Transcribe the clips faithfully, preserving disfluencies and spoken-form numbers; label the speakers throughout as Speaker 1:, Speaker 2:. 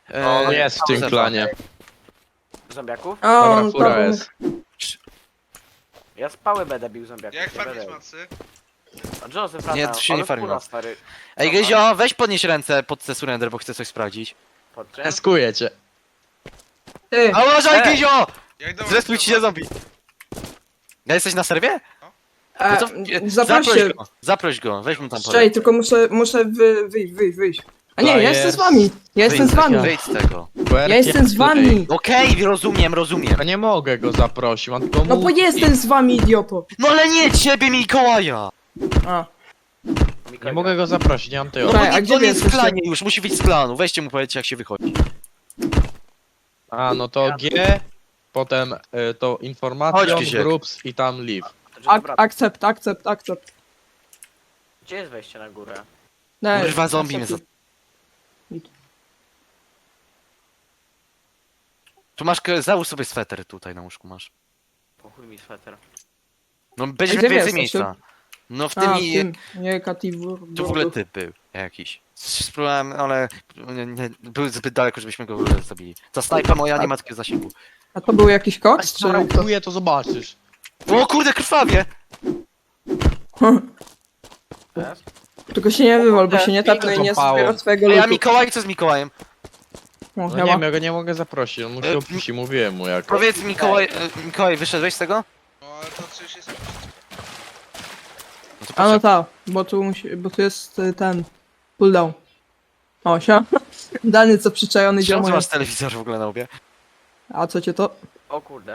Speaker 1: On
Speaker 2: E,
Speaker 1: jest w tym
Speaker 2: Józefa.
Speaker 1: klanie.
Speaker 3: Zombiaków?
Speaker 4: O,
Speaker 1: Dobra,
Speaker 4: on
Speaker 1: fura
Speaker 4: to-
Speaker 1: jest.
Speaker 3: Ja z pały będę bił zombiaków.
Speaker 5: Jak
Speaker 3: nie
Speaker 5: farmić
Speaker 3: będę.
Speaker 5: macy?
Speaker 3: A Joseph
Speaker 2: Nie,
Speaker 3: lata,
Speaker 2: to się nie
Speaker 3: ale
Speaker 2: farmi
Speaker 3: fura,
Speaker 2: macy.
Speaker 3: stary.
Speaker 2: Ej, Gryzio, weź podnieś ręce pod te surrender, bo chcę coś sprawdzić.
Speaker 3: Pod czym?
Speaker 1: Eskuję cię.
Speaker 4: Ty,
Speaker 2: A uważaj,
Speaker 3: Ej!
Speaker 2: Gryzio!
Speaker 5: Jak do
Speaker 2: Zrespił ci się zombie. Ja jesteś na serwie?
Speaker 4: e,
Speaker 2: No to,
Speaker 4: zaproś
Speaker 2: zaproś
Speaker 4: się.
Speaker 2: go, zaproś go, weź mu tam
Speaker 4: Czekaj, tylko muszę, muszę wy, wyjść, wyjść, wyjść. A nie, ja
Speaker 1: Flyers.
Speaker 4: jestem z wami. Ja jestem z wami.
Speaker 2: Wyjdź z tego.
Speaker 4: Ja jestem z wami.
Speaker 2: Okej, rozumiem, rozumiem.
Speaker 1: Ja nie mogę go zaprosić, mam tylko
Speaker 4: No bo
Speaker 1: mu...
Speaker 4: jestem z wami, idioto.
Speaker 2: No ale nie ciebie, Mikołaja!
Speaker 4: A,
Speaker 1: Nie mogę go zaprosić, nie mam tej
Speaker 4: Dobra,
Speaker 1: opcji.
Speaker 4: a
Speaker 2: On
Speaker 4: gdzie
Speaker 2: on
Speaker 4: wy
Speaker 2: jest w
Speaker 4: jesteście?
Speaker 2: klanie już, musi wyjść z klanu. Weźcie mu powiedzcie jak się wychodzi.
Speaker 1: A, no to G, potem y, to
Speaker 2: Chodź,
Speaker 1: informacja,
Speaker 2: Krzysiek.
Speaker 1: groups i tam leave.
Speaker 3: To
Speaker 4: ak
Speaker 3: Joseph brat.
Speaker 4: akcept, akcept, akcept.
Speaker 3: Gdzie jest wejście na górę?
Speaker 4: Nie,
Speaker 2: Kurwa, zombie mnie
Speaker 4: akcept.
Speaker 2: Tu masz, k- załóż sobie sweter tutaj na łóżku masz.
Speaker 3: Po chuj mi sweter.
Speaker 2: No będzie
Speaker 4: gdzie wy
Speaker 2: więcej
Speaker 4: jesteście?
Speaker 2: miejsca. No w tym
Speaker 4: A, w
Speaker 2: i...
Speaker 4: tym, nie, Kativur.
Speaker 2: Tu w ogóle typ był jakiś. Spróbowałem, ale nie, nie, był zbyt daleko, żebyśmy go w ogóle zabili. Ta snajpa moja nie ma takiego zasięgu.
Speaker 4: A to był jakiś koks, czy
Speaker 1: Dobra,
Speaker 4: kto?
Speaker 1: próbuję, to zobaczysz.
Speaker 2: O kurde, krwawie!
Speaker 3: Jest?
Speaker 4: Tylko się nie wywal, bo się nie
Speaker 1: Piłkę
Speaker 4: tapnę i nie
Speaker 1: złapało.
Speaker 4: zbiera twojego
Speaker 2: Ej, a
Speaker 4: lutu.
Speaker 2: Mikołaj, co z Mikołajem?
Speaker 4: O,
Speaker 1: No
Speaker 4: ja
Speaker 1: nie
Speaker 4: mam.
Speaker 1: wiem, ja go nie mogę zaprosić, on musi
Speaker 2: E,
Speaker 1: opuścić, mówiłem mu jak.
Speaker 2: Powiedz Mikołaj, e, Mikołaj, wyszedłeś z tego?
Speaker 5: No ale to przecież jest...
Speaker 2: No to
Speaker 4: A no
Speaker 2: poczekaj.
Speaker 4: tak, bo tu musi, bo tu jest y, ten pulldown. O, się. Dany co przyczajony
Speaker 2: Czemu ty
Speaker 4: ziomo
Speaker 2: masz
Speaker 4: jest.
Speaker 2: telewizor w ogóle na łbie?
Speaker 4: A co cię to?
Speaker 3: O kurde.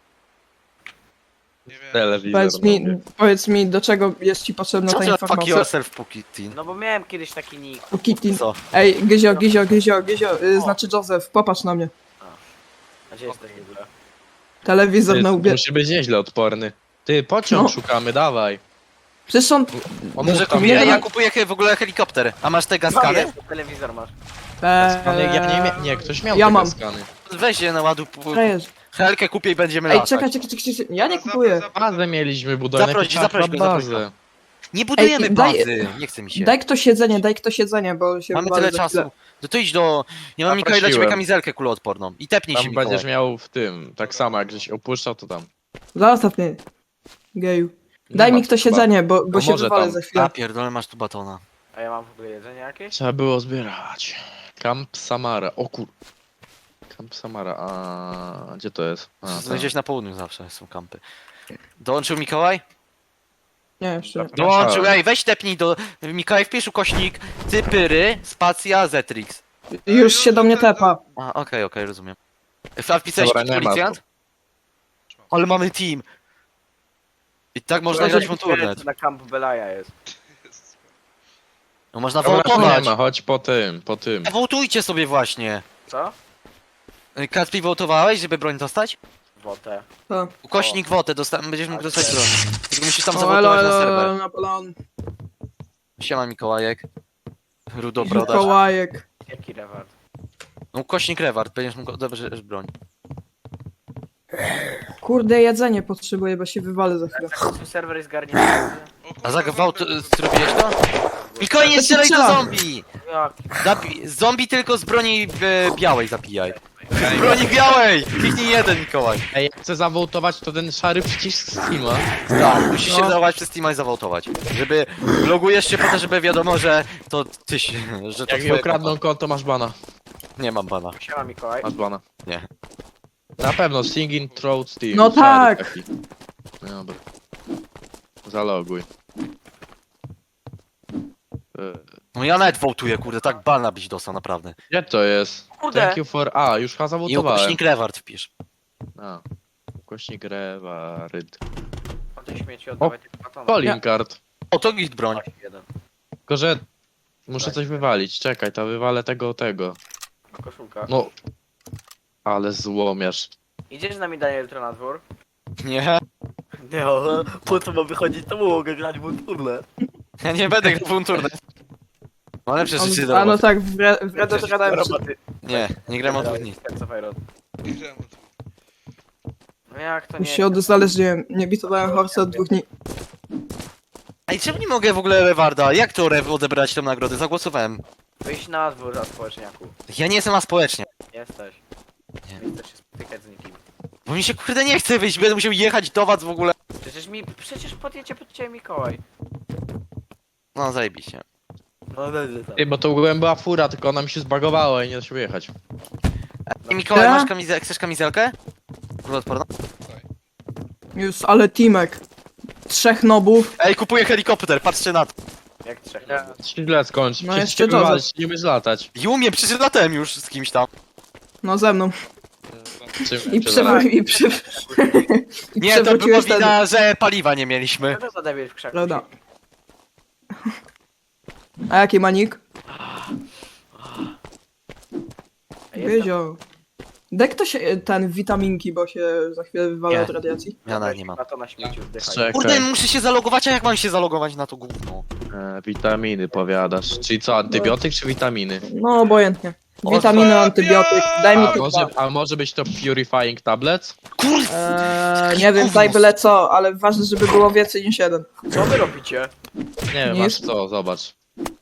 Speaker 5: Nie wiem.
Speaker 1: Telewizor.
Speaker 4: Powiedz mi, powiedz mi, do czego jest ci potrzebna
Speaker 2: Co
Speaker 4: ta
Speaker 2: ty fuck
Speaker 4: informacja?
Speaker 2: yourself, Pukitin?
Speaker 3: No bo miałem kiedyś taki nick.
Speaker 4: O, Kitty.
Speaker 2: Co?
Speaker 4: Ej, Gyzio, Gyzio, Gyzio, Gyzio, y,
Speaker 3: O.
Speaker 4: znaczy Joseph, popatrz na mnie.
Speaker 3: A gdzie jesteś w ogóle?
Speaker 4: Telewizor na
Speaker 1: Ty,
Speaker 4: łbie.
Speaker 1: musi być nieźle odporny. Ty, pociąg
Speaker 4: No.
Speaker 1: szukamy, dawaj.
Speaker 4: Przecież on...
Speaker 1: On
Speaker 2: Może
Speaker 1: mógł tam
Speaker 2: kupię,
Speaker 4: nie
Speaker 2: ja
Speaker 4: ma-
Speaker 2: kupuję he- w ogóle helikopter. A masz te
Speaker 3: No
Speaker 2: gaskany?
Speaker 3: jest, telewizor masz.
Speaker 4: Eee,
Speaker 1: skany, ja nie mia... Nie, ktoś miał
Speaker 4: Ja
Speaker 1: te
Speaker 4: mam.
Speaker 1: skany.
Speaker 2: Weź je na ładu.
Speaker 4: Czekaj,
Speaker 2: Helkę kupię i będziemy
Speaker 4: Ej,
Speaker 2: latać.
Speaker 4: czekaj, czekaj, czekaj, czekaj, ja nie
Speaker 5: Zapra-
Speaker 4: kupuję.
Speaker 5: zapra-
Speaker 1: Bazę mieliśmy budować.
Speaker 2: Zaproś,
Speaker 1: najpierw
Speaker 2: zaproś
Speaker 1: trzeba
Speaker 2: go, zaproś
Speaker 1: bazę.
Speaker 2: Nie budujemy
Speaker 4: Ej, daj-
Speaker 2: bazy, nie chce mi się.
Speaker 4: Daj ktoś jedzenie, daj ktoś jedzenie, bo się
Speaker 2: Mamy
Speaker 4: wywalę
Speaker 2: tyle
Speaker 4: za
Speaker 2: czasu.
Speaker 4: chwilę.
Speaker 2: No to idź do... Nie mam Mikołaj dla ciebie
Speaker 1: Zaprosiłem.
Speaker 2: kamizelkę kuloodporną. I tepnij się,
Speaker 1: Tam
Speaker 2: Mikołaj.
Speaker 1: będziesz miał w tym, tak samo jak żeś opuszczał, to tam.
Speaker 4: Zostaw mnie, geju.
Speaker 1: Nie
Speaker 4: Daj
Speaker 1: ma
Speaker 4: mi ktoś
Speaker 1: chyba.
Speaker 4: jedzenie, bo, bo
Speaker 1: No
Speaker 4: się
Speaker 1: może
Speaker 4: wywalę
Speaker 1: tam.
Speaker 4: za
Speaker 2: A
Speaker 4: chwilę.
Speaker 2: pierdolę, masz tu batona.
Speaker 3: A ja mam w ogóle jedzenie jakieś?
Speaker 1: Trzeba było zbierać. Camp Samara, o kur... Camp Samara, a gdzie to jest? A, tam.
Speaker 2: Znajdziesz na południu zawsze, są kampy. Dołączył Mikołaj?
Speaker 4: Nie, jeszcze.
Speaker 2: Dołączył, ej, weź tepnij do... Mikołaj, wpisz ukośnik Cypyry, spacja, Zetrix.
Speaker 4: Już się do mnie tepa.
Speaker 2: A, okej, okej, rozumiem. A wpisałeś
Speaker 1: Dobra, nie ma
Speaker 2: policjant? Ale mamy team. I tak można
Speaker 4: Proszę,
Speaker 2: grać w turnet.
Speaker 3: Na Camp Belaya jest.
Speaker 2: No można
Speaker 1: Dobra, tu
Speaker 2: wołtować.
Speaker 1: nie ma, chodź po tym, po tym.
Speaker 2: Wołtujcie sobie właśnie.
Speaker 3: Co?
Speaker 2: Kacpi, wołtowałeś, żeby broń dostać?
Speaker 3: Wotę.
Speaker 4: To.
Speaker 2: Ukośnik wotę, dosta- będziesz mógł dostać broń. Tylko musisz tam
Speaker 4: O,
Speaker 2: zawołtować
Speaker 4: elo,
Speaker 2: na
Speaker 4: elo,
Speaker 2: serwer.
Speaker 4: elo, Napoleon.
Speaker 2: Siema Mikołajek. Rudo brodarz.
Speaker 4: Mikołajek.
Speaker 3: Jaki reward?
Speaker 2: No ukośnik reward, będziesz mógł odebrać broń.
Speaker 4: Kurde, jedzenie potrzebuję, bo się wywalę za chwilę.
Speaker 3: Tak, serwer jest garnięty.
Speaker 5: O kurwa,
Speaker 2: A za gwałt
Speaker 5: zombie.
Speaker 2: zrobiłeś to? Mikołaj, nie
Speaker 4: To
Speaker 2: strzelaj do
Speaker 4: strzela.
Speaker 2: zombie!
Speaker 3: Jak?
Speaker 2: Zabi- zombie tylko z broni e, białej zabijaj. Z broni białej! Kliknij jeden, Mikołaj.
Speaker 1: Ej, jak chcę zawołtować, to ten szary przycisk Steama.
Speaker 2: Tak, musisz się
Speaker 4: No.
Speaker 2: zachować przez Steama i zawołtować. Żeby logujesz się po to, żeby wiadomo, że to ty się, że to
Speaker 1: Jak mi
Speaker 2: twoje
Speaker 1: ukradną
Speaker 2: konto.
Speaker 1: konto, masz bana.
Speaker 2: Nie mam bana.
Speaker 3: Siema Mikołaj.
Speaker 1: Masz bana.
Speaker 2: Nie.
Speaker 1: Na pewno, Singing Throat Steam.
Speaker 4: No
Speaker 1: szary
Speaker 4: tak.
Speaker 1: taki. Dobra. Zaloguj. E,
Speaker 2: No ja nawet wołtuję, kurde, tak bana byś dostał, naprawdę.
Speaker 1: Gdzie to jest?
Speaker 3: Kurde.
Speaker 1: Thank you for... A, już chyba
Speaker 2: I
Speaker 1: zawotowałem.
Speaker 2: ukośnik reward wpisz.
Speaker 1: A. Ukośnik rewaryd.
Speaker 3: O tej śmieci oddawaj tylko batona.
Speaker 1: Calling card.
Speaker 2: O, to git broń.
Speaker 3: Jeden.
Speaker 1: Tylko, że... Muszę coś wywalić. Czekaj, to wywalę tego, tego.
Speaker 3: Koszulka.
Speaker 1: No... Ale złomiarz.
Speaker 3: Idziesz z nami Daniel jutro na dwór?
Speaker 2: Nie,
Speaker 3: Nie, po co mam wychodzić, to mogę grać w turle.
Speaker 2: ja nie będę grał w turnet. Mam lepsze
Speaker 4: On,
Speaker 2: rzeczy do
Speaker 4: a no
Speaker 2: roboty.
Speaker 4: tak, w Red w Red Dead Redemption.
Speaker 2: Nie, nie gram od dwóch dni.
Speaker 5: Nie wiem, o tym.
Speaker 3: No jak to
Speaker 4: Już
Speaker 3: nie?
Speaker 4: się odnaleźliłem. Nie bitowałem Horse od dwóch dni.
Speaker 2: Ej, czemu nie mogę w ogóle rewarda? Jak to rew odebrać tę nagrodę? Zagłosowałem.
Speaker 3: Wyjść na dwór za społeczniaku.
Speaker 2: Ja nie jestem na społecznie.
Speaker 3: Jesteś.
Speaker 2: Nie.
Speaker 3: Nie chcesz się spotykać z nikim.
Speaker 2: Bo mi się kurde nie chce wyjść, będę musiał jechać do was w ogóle.
Speaker 3: Przecież mi, przecież podjedzie pod ciebie Mikołaj.
Speaker 2: No zajebiście.
Speaker 3: No dobrze tam.
Speaker 1: Ty, bo to ogółem była fura, tylko ona mi się zbagowała i nie da się wyjechać.
Speaker 2: I Mikołaj,
Speaker 4: Ja?
Speaker 2: masz kamizelkę? Chcesz kamizelkę? Kuloodporną?
Speaker 4: Już, ale teamek. Trzech nobów.
Speaker 2: Ej, kupuję helikopter, patrzcie na to.
Speaker 3: Jak trzech.
Speaker 1: Nie, źle skończ.
Speaker 4: No
Speaker 1: No
Speaker 4: jeszcze
Speaker 1: jeszcze
Speaker 4: Joseph.
Speaker 1: nie umiesz latać.
Speaker 2: I umiem, przecież latałem już z kimś tam.
Speaker 4: No ze mną.
Speaker 1: Czym
Speaker 4: I
Speaker 1: cię
Speaker 4: przewrócił. I, przy... I
Speaker 2: Nie, to było
Speaker 4: przewróciłeś ten...
Speaker 2: wina, że paliwa nie mieliśmy.
Speaker 3: Co to za debil w krzaku?
Speaker 4: Prawda. A jaki manik?
Speaker 3: A jestem-
Speaker 4: Wiedział. Daj ktoś e, ten witaminki, bo się za chwilę wywala
Speaker 2: Nie.
Speaker 4: od radiacji.
Speaker 2: Ja nawet nie mam.
Speaker 3: Na to na śmieciu wdychaj.
Speaker 1: Czekaj.
Speaker 2: Kurde, muszę się zalogować, a jak mam się zalogować na to gówno?
Speaker 1: E, witaminy powiadasz. Czyli co, antybiotyk czy witaminy?
Speaker 4: No obojętnie. Witaminy, antybiotyk. Daj mi
Speaker 1: A
Speaker 4: tu
Speaker 1: może, a może być to purifying tablets?
Speaker 2: Kurde!
Speaker 4: eee, Nie wiem, daj byle co, ale ważne, żeby było więcej niż jeden.
Speaker 3: Co wy robicie?
Speaker 1: Nie wiem,
Speaker 4: Nie
Speaker 1: masz
Speaker 4: jest-
Speaker 1: co, zobacz.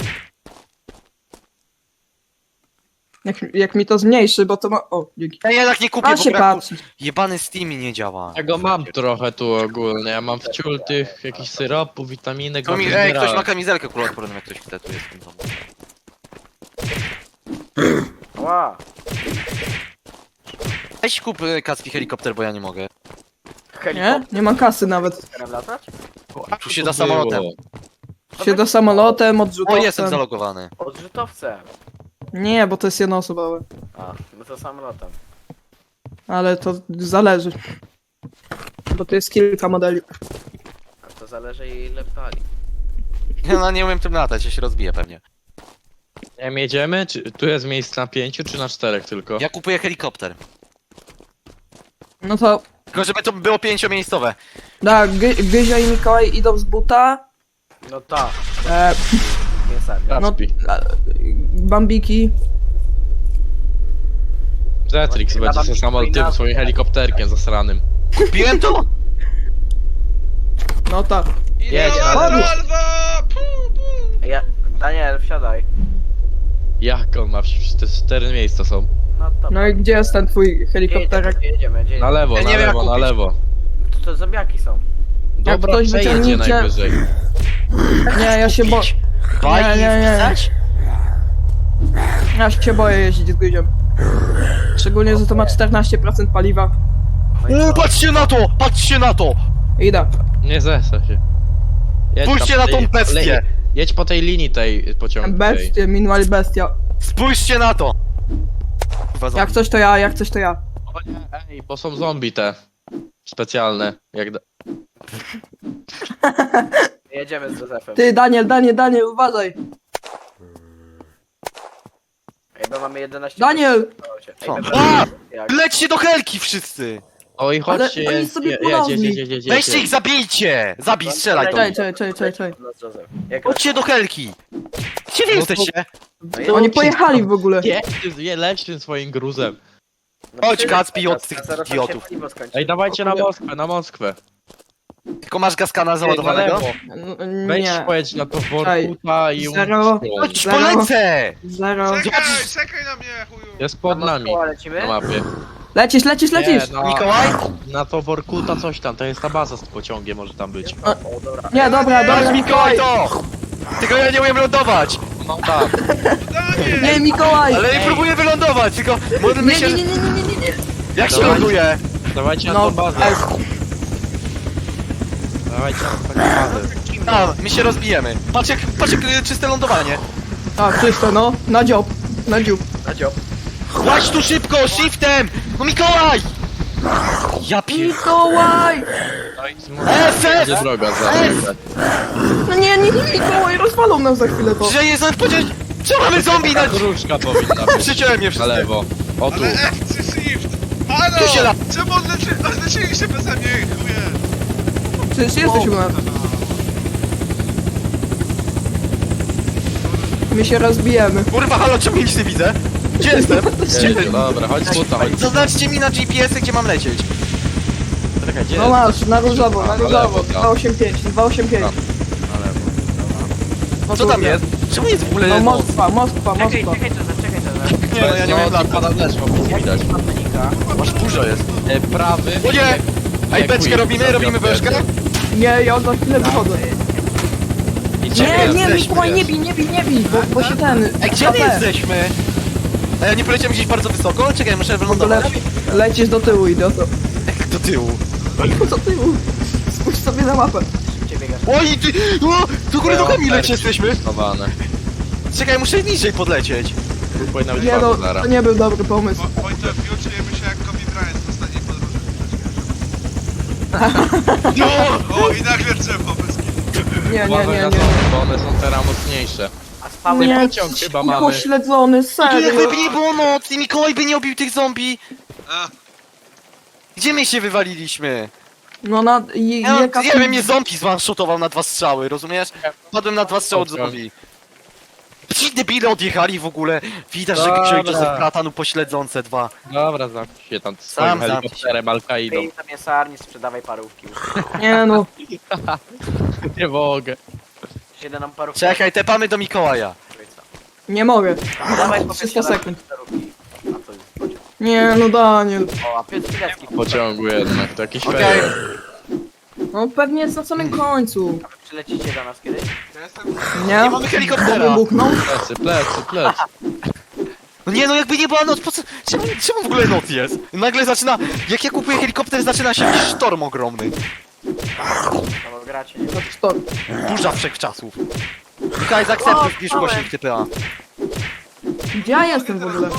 Speaker 4: Jak, jak mi to zmniejszy, bo to ma... O, dzięki.
Speaker 2: Ja jednak nie kupię,
Speaker 4: A
Speaker 2: bo
Speaker 4: się
Speaker 2: braku...
Speaker 4: patrzy.
Speaker 2: Jebany Steam nie działa.
Speaker 1: Ja go mam trochę tu ogólnie, ja mam wciul tych jakichś syropów, vitaminek,
Speaker 2: To
Speaker 1: mam
Speaker 2: mi, ej,
Speaker 1: zbierałem.
Speaker 2: ktoś ma kamizelkę kuloodporną, jak ktoś chce, tu jest w tym domu.
Speaker 3: Ła.
Speaker 2: Weź kup y, Kacpi helikopter, bo ja nie mogę.
Speaker 4: Nie?
Speaker 3: Helikopter
Speaker 4: Nie ma kasy nawet.
Speaker 3: z latać?
Speaker 2: Tu się
Speaker 1: To
Speaker 2: da samolotem.
Speaker 1: było.
Speaker 4: Się do samolotem,
Speaker 2: O,
Speaker 4: odrzutowcem.
Speaker 2: jestem zalogowany.
Speaker 3: Odrzutowcem.
Speaker 4: Nie, bo to jest jednoosobowe.
Speaker 3: A, no to samolotem.
Speaker 4: Ale to zależy. Bo to jest kilka modeli.
Speaker 3: A to zależy ile pali.
Speaker 2: Ja no, nie umiem tym latać, ja się rozbiję pewnie.
Speaker 1: Nie wiem, jedziemy? Czy, tu jest miejsce na pięciu, czy na czterech tylko?
Speaker 2: Ja kupuję helikopter.
Speaker 4: No to...
Speaker 2: Tylko żeby to było pięciomiejscowe.
Speaker 4: Da, Gy Gyzia i Mikołaj idą z buta.
Speaker 3: No tak,
Speaker 4: E,
Speaker 3: nie sami.
Speaker 4: no,
Speaker 1: Kacpi.
Speaker 4: e, Bambiki.
Speaker 1: Zetrix
Speaker 3: Chyba
Speaker 1: będzie
Speaker 3: tam
Speaker 1: się samol tym
Speaker 3: powinna-
Speaker 1: swoim helikopterkiem zasranym.
Speaker 2: Kupiłem to?
Speaker 4: No tak.
Speaker 1: Jedź,
Speaker 5: Inna
Speaker 1: ale-
Speaker 5: salwa! Pu, pu.
Speaker 3: Ja, Daniel, wsiadaj.
Speaker 1: Jak on ma? Przecież te cztery miejsca są.
Speaker 3: No to.
Speaker 4: No i gdzie jest ten twój helikopterek?
Speaker 3: Jedziemy, jedziemy, jedziemy.
Speaker 1: Na lewo,
Speaker 2: Ja
Speaker 1: na
Speaker 2: nie wiem, jak
Speaker 1: lewo, na
Speaker 2: kupić.
Speaker 1: lewo.
Speaker 3: To, to zombiaki są.
Speaker 1: Dobra,
Speaker 4: ktoś
Speaker 1: przejedzie
Speaker 4: wyciągnięcie-
Speaker 1: najwyżej.
Speaker 4: Nie, ja się bo...
Speaker 2: Baj
Speaker 4: Nie,
Speaker 2: i
Speaker 4: nie, nie.
Speaker 2: wpisać?
Speaker 4: Ja się boję jeździć z Gyzią. Szczególnie, że to ma czternaście procent paliwa.
Speaker 3: No i
Speaker 2: U,
Speaker 3: co?
Speaker 2: patrzcie na to! Patrzcie na to!
Speaker 4: Idę.
Speaker 1: Nie zesa się. Jedź
Speaker 2: Spójrzcie
Speaker 1: tam
Speaker 2: na
Speaker 1: po
Speaker 2: tą
Speaker 1: tej-
Speaker 2: bestię!
Speaker 1: le- Jedź po tej linii tej pociągu. Tej.
Speaker 4: Bestie, minimal bestia.
Speaker 2: Spójrzcie na to! Kurwa,
Speaker 4: Jak
Speaker 2: zombie.
Speaker 4: coś to ja, jak coś to ja.
Speaker 1: O nie, ej, bo są zombie te. Specjalne. Jak da...
Speaker 3: Jedziemy z Józefem.
Speaker 4: Ty, Daniel, Daniel, Daniel, uważaj.
Speaker 3: Ej, bo mamy jedenaście...
Speaker 4: Daniel!
Speaker 3: Ej,
Speaker 2: Co?
Speaker 3: dobra,
Speaker 2: A!
Speaker 3: jak-
Speaker 2: Lećcie do helki wszyscy!
Speaker 1: Oj, chodźcie,
Speaker 4: oni
Speaker 1: jedź,
Speaker 4: sobie
Speaker 1: jedź,
Speaker 4: porobli.
Speaker 1: jedź, jedź, jedź, jedź,
Speaker 2: Weźcie
Speaker 1: jedź.
Speaker 2: ich, zabijcie! Zabij, strzelaj do
Speaker 4: Czekaj,
Speaker 2: nich.
Speaker 4: czekaj, czekaj, czekaj, czekaj.
Speaker 3: No, z Józef. Jak
Speaker 2: Chodźcie do helki! Gdzie wy
Speaker 1: No to-
Speaker 2: jesteście?
Speaker 3: No
Speaker 4: Oni pojechali w ogóle.
Speaker 1: Jedź, ty- je, leć tym swoim gruzem.
Speaker 3: No
Speaker 2: Chodź,
Speaker 3: tyle,
Speaker 2: Kacpi, od tych
Speaker 3: zaraz nam się
Speaker 2: idiotów.
Speaker 3: paliwo skończy.
Speaker 1: Ej, dawajcie na Moskwę, na Moskwę.
Speaker 2: Tylko masz gaskana
Speaker 1: Na
Speaker 2: załadowanego?
Speaker 1: lewo.
Speaker 4: N-
Speaker 1: Wejdź,
Speaker 4: Nie.
Speaker 1: pojedź na to
Speaker 4: Czekaj.
Speaker 1: Workuta i...
Speaker 4: Zero.
Speaker 2: Chodź,
Speaker 4: Zero.
Speaker 2: polecę!
Speaker 4: Zero.
Speaker 5: Czekaj, czekaj na mnie, chuju!
Speaker 1: Jest pod
Speaker 3: Na
Speaker 1: nami
Speaker 3: Moskwę lecimy?
Speaker 1: na mapie.
Speaker 4: Lecisz, lecisz, lecisz.
Speaker 1: Nie, no,
Speaker 2: Mikołaj?
Speaker 1: na to Workuta coś tam, to jest ta baza z pociągiem może tam być.
Speaker 3: O, dobra.
Speaker 4: Nie, dobra,
Speaker 2: Chodź,
Speaker 4: dobra,
Speaker 2: Mikołaj,
Speaker 4: Mikołaj.
Speaker 2: to! Tylko ja nie umiem lądować!
Speaker 1: No tak.
Speaker 5: Daniel!
Speaker 4: Nie, Mikołaj.
Speaker 2: Ale nie próbuję wylądować, tylko modlmy
Speaker 4: Nie,
Speaker 2: się...
Speaker 4: nie, nie, nie, nie, nie, nie.
Speaker 2: Jak się
Speaker 1: Dawaj.
Speaker 2: ląduje?
Speaker 1: Dawajcie na
Speaker 4: No,
Speaker 1: tą bazę.
Speaker 4: S.
Speaker 1: Dawajcie na tą bazę.
Speaker 2: A, my się rozbijemy. Patrz jak, patrz jak y, czyste lądowanie.
Speaker 4: A, czysto, no. Na dziób. Na dziób.
Speaker 3: Na dziób.
Speaker 2: Łaź tu szybko, shiftem! No Mikołaj! Ja pier...
Speaker 4: Mikołaj!
Speaker 2: F, F!
Speaker 1: Będzie droga za
Speaker 4: No nie, nie, nie, Mikołaj, rozwalą nam za chwilę to.
Speaker 2: Że jest powiedzieć... Co mamy zombie na...
Speaker 1: Gruszka powinna być.
Speaker 2: Przyciąłem mnie
Speaker 1: Na
Speaker 2: wszystkie.
Speaker 1: lewo. O tu.
Speaker 5: Ale F czy Shift? Halo!
Speaker 2: Tu się la-
Speaker 5: Czemu odleczy... odleczyliście beze mnie, chuje?
Speaker 4: Przecież jesteś u nas. My się rozbijemy.
Speaker 2: Kurwa, halo, czemu nic nie widzę? Gdzie jestem? Gdzie
Speaker 1: Jedzie, dobra, chodź buta, chodź.
Speaker 2: Zaznaczcie mi na G P S-ie, gdzie mam lecieć.
Speaker 1: Czekaj, gdzie
Speaker 4: No
Speaker 1: jest?
Speaker 4: masz, na różowo, na
Speaker 1: Na
Speaker 4: różowo.
Speaker 1: lewo, tak.
Speaker 4: dwa osiem pięć, dwa osiem pięć.
Speaker 1: Na lewo.
Speaker 2: Co tam jest? Czemu jest w ogóle
Speaker 4: No
Speaker 2: noc?
Speaker 4: Moskwa, Moskwa,
Speaker 3: Czekaj,
Speaker 4: Moskwa.
Speaker 3: czekaj, czekaj, czekaj, czekaj.
Speaker 2: Nie, no ja nie wiem
Speaker 1: no,
Speaker 2: lat.
Speaker 1: pada deszcz, bo nie widać.
Speaker 3: Panika.
Speaker 2: Masz dużo jest.
Speaker 1: E, prawy...
Speaker 2: O nie! Ej, beczkę robimy, robimy beczkę?
Speaker 4: Nie, ja za chwilę wychodzę.
Speaker 1: Idzie,
Speaker 4: Nie, nie,
Speaker 2: jesteśmy,
Speaker 4: Mikołaj, nie bij, nie bij, nie bij, bo, bo się ten...
Speaker 2: Ej, gdzie my
Speaker 4: K P.
Speaker 2: jesteśmy? Ej, ja nie poleciałem gdzieś bardzo wysoko? Czekaj, muszę
Speaker 4: W ogóle
Speaker 2: wylądować.
Speaker 4: lecisz do tyłu, idioto.
Speaker 2: Do tyłu.
Speaker 4: Do tyłu. Spójrz sobie na mapę.
Speaker 3: Szybciej biegasz.
Speaker 2: Oj, ty! O, do góry nogami leci jesteśmy!
Speaker 1: Schowane.
Speaker 2: Czekaj, muszę niżej podlecieć.
Speaker 1: Powinna być
Speaker 4: Nie no,
Speaker 1: bardzo zara.
Speaker 4: to nie był dobry pomysł.
Speaker 5: Wo- Wojtek, już czujemy się jak Kobe Bryant w ostatniej podróży.
Speaker 2: No!
Speaker 5: O, i nagle drzewo bez kitu.
Speaker 4: Nie, nie,
Speaker 1: Uważaj
Speaker 4: nie,
Speaker 1: na
Speaker 4: nie.
Speaker 1: zombie, bo one są teraz mocniejsze.
Speaker 3: A spały
Speaker 4: Nie,
Speaker 1: pociąg chyba
Speaker 4: cicho
Speaker 1: mamy.
Speaker 4: śledzony,
Speaker 2: Tu jakby
Speaker 4: serio.
Speaker 2: by nie było nocy, Mikołaj by nie obił tych zombie.
Speaker 5: A,
Speaker 2: Gdzie my się wywaliliśmy?
Speaker 4: No na... Je,
Speaker 2: Ja,
Speaker 4: jaka-
Speaker 2: nie wiem, mnie zombie zwanshotował na dwa strzały, rozumiesz? Padłem na dwa strzały od zombie. Ci debile odjechali w ogóle. Widać, że
Speaker 1: Dobra.
Speaker 2: wziąłeś Joseph Bratanu pośledzące dwa.
Speaker 1: Dobra, zamknij się tam
Speaker 2: Sam
Speaker 1: swoim
Speaker 2: zamknij
Speaker 1: helikopterem Al-Kaidą.
Speaker 3: Wyjdź na mięsarni, sprzedawaj parówki.
Speaker 4: Nie no,
Speaker 1: Nie mogę.
Speaker 3: Siedzę nam parówki.
Speaker 2: Czekaj, tepamy do Mikołaja.
Speaker 4: nie mogę.
Speaker 3: Dawaj po
Speaker 4: trzysta sekund.
Speaker 3: parówki. A to jest pociąg.
Speaker 4: Nie no, Daniel.
Speaker 3: O, a Piotr Pilecki.
Speaker 1: W pociągu jednak, to jakiś
Speaker 2: Okej.
Speaker 1: fail.
Speaker 4: No pewnie jest na samym końcu.
Speaker 3: A wy przylecicie do nas kiedyś?
Speaker 5: ja jestem...
Speaker 4: Nie?
Speaker 2: Nie mamy helikoptera.
Speaker 4: Wybuchnął?
Speaker 1: Plecy, plecy, plecy.
Speaker 2: No nie, no jakby nie była noc, po co? Czemu, czemu w ogóle noc jest? Nagle zaczyna, jak ja kupuję helikopter, zaczyna się jakiś sztorm ogromny.
Speaker 3: No bo gracie, nie?
Speaker 4: To stop.
Speaker 2: Burza wszechczasów. Mikołaj, zaakceptuj, wpisz głośnik T P A.
Speaker 4: Gdzie ja jestem w ogóle?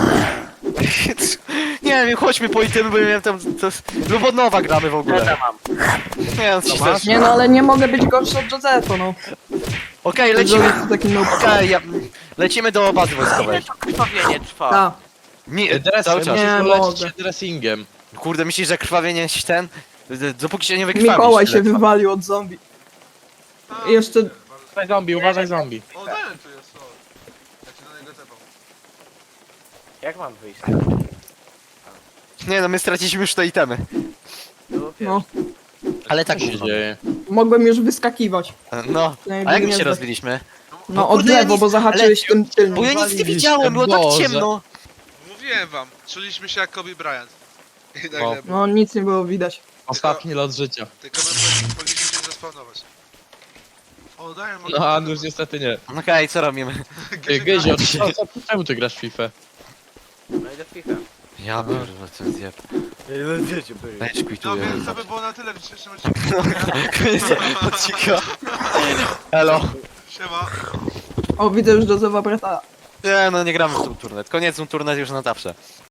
Speaker 2: Nie wiem, chodźmy po itemy, bo ja miałem tam... To, lub od nowa gramy w
Speaker 3: Ja
Speaker 2: ogóle.
Speaker 3: tam mam.
Speaker 2: Nie, no ci też.
Speaker 4: Nie no, ale nie mogę być gorszy od Josepha, no.
Speaker 2: Okej,
Speaker 4: Lecimy.
Speaker 2: lecimy.
Speaker 4: Jest takim noob.
Speaker 2: Okej, ja, lecimy do bazy
Speaker 3: Ile
Speaker 2: wojskowej.
Speaker 3: to krwawienie trwa?
Speaker 4: Ta.
Speaker 2: Nie,
Speaker 1: Dressing,
Speaker 2: cały czas.
Speaker 4: Nie
Speaker 1: musisz polecić
Speaker 4: mogę.
Speaker 1: się dressingiem.
Speaker 2: Kurde, myślisz, że krwawienie się ten... d- Dopóki się nie wykrwawisz.
Speaker 4: Mikołaj się
Speaker 2: tyle trwa.
Speaker 4: wywalił od zombie.
Speaker 5: A,
Speaker 4: I jeszcze...
Speaker 1: Uważaj zombie, uważaj zombie.
Speaker 5: O, ten tu jest, o. Ja cię do niego tepam.
Speaker 3: Jak mam wyjść?
Speaker 2: Nie no, my straciliśmy już te itemy.
Speaker 3: Tu,
Speaker 4: No,
Speaker 2: Ale
Speaker 1: Co
Speaker 2: tak
Speaker 1: się dzieje?
Speaker 4: mogłem już wyskakiwać.
Speaker 2: No, a jak my się rozbiliśmy?
Speaker 4: No od
Speaker 2: kurde, ja
Speaker 4: lewo,
Speaker 2: nic-
Speaker 4: bo zahaczyłeś
Speaker 2: ale-
Speaker 4: tym tylnym.
Speaker 2: Bo ja nic nie
Speaker 1: Waliście,
Speaker 2: widziałem, było tak
Speaker 1: Boże.
Speaker 2: ciemno.
Speaker 5: Mówiłem wam, czuliśmy się jak Kobe Bryant. I nagle
Speaker 1: O.
Speaker 5: było.
Speaker 4: No nic nie było widać.
Speaker 1: Ostatni lot życia.
Speaker 5: Tylko my powinni- powinniśmy się zespawnować. O, daję mogę...
Speaker 1: No, a już niestety nie.
Speaker 2: Okej, co robimy?
Speaker 1: Ty, Gyzio, co- co- czemu ty grasz w FIFA?
Speaker 3: No i do FIFA.
Speaker 2: Ja pierdolę, co zjeb.
Speaker 3: No wiecie, byli.
Speaker 2: Weź
Speaker 5: No
Speaker 2: quituję.
Speaker 5: więc to by było na tyle w dzisiejszym odcinku.
Speaker 2: Koniec odcinka. Elo.
Speaker 5: Siema.
Speaker 4: O, widzę już Josepha brata.
Speaker 2: Nie no, nie gramy w tą turnet. Koniec tą turnet już na zawsze.